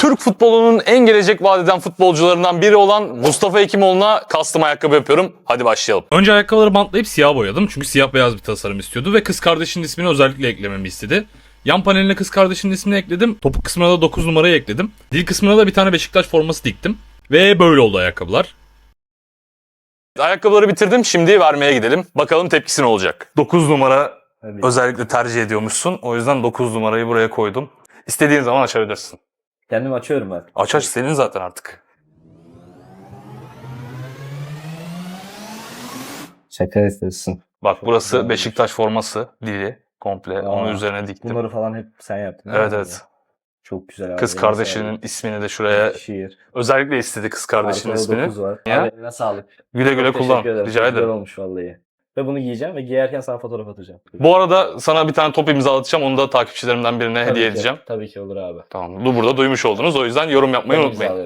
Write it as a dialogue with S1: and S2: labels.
S1: Türk futbolunun en gelecek vaat eden futbolcularından biri olan Mustafa Hekimoğlu'na custom ayakkabı yapıyorum. Hadi başlayalım.
S2: Önce ayakkabıları bantlayıp siyah boyadım. Çünkü siyah beyaz bir tasarım istiyordu ve kız kardeşinin ismini özellikle eklememi istedi. Yan paneline kız kardeşinin ismini ekledim. Topuk kısmına da 9 numarayı ekledim. Dil kısmına da bir tane Beşiktaş forması diktim. Ve böyle oldu ayakkabılar.
S1: Ayakkabıları bitirdim. Şimdi vermeye gidelim. Bakalım tepkisi ne olacak? 9 numara özellikle tercih ediyormuşsun. O yüzden 9 numarayı buraya koydum. İstediğin zaman açabilirsin.
S3: Kendim açıyorum ben.
S1: Aç senin zaten artık.
S3: Şaka istiyorsun.
S1: Bak burası Beşiktaş forması dili komple. Onun üzerine diktim.
S3: Bunları falan hep sen yaptın. değil
S1: Evet
S3: mi?
S1: evet.
S3: Çok güzel abi.
S1: Kız
S3: Eline
S1: kardeşinin
S3: sağlık.
S1: ismini de şuraya
S3: Şiir.
S1: özellikle istedi kız kardeşinin
S3: Arkada
S1: ismini.
S3: 9 var.
S1: Ya.
S3: Abi eline sağlık.
S1: Güle güle
S3: Çok
S1: kullan.
S3: teşekkür ederim.
S1: Rica
S3: Çok güzel
S1: ederim.
S3: olmuş vallahi. Ve bunu giyeceğim ve giyerken sana fotoğraf atacağım.
S1: Bu arada sana bir tane top imzalatacağım. Onu da takipçilerimden birine
S3: Tabii
S1: hediye
S3: ki.
S1: edeceğim.
S3: Tabii ki olur abi.
S1: Tamam. Bu burada duymuş oldunuz. O yüzden yorum yapmayı
S3: Ben
S1: unutmayın.
S3: imzalıyorum.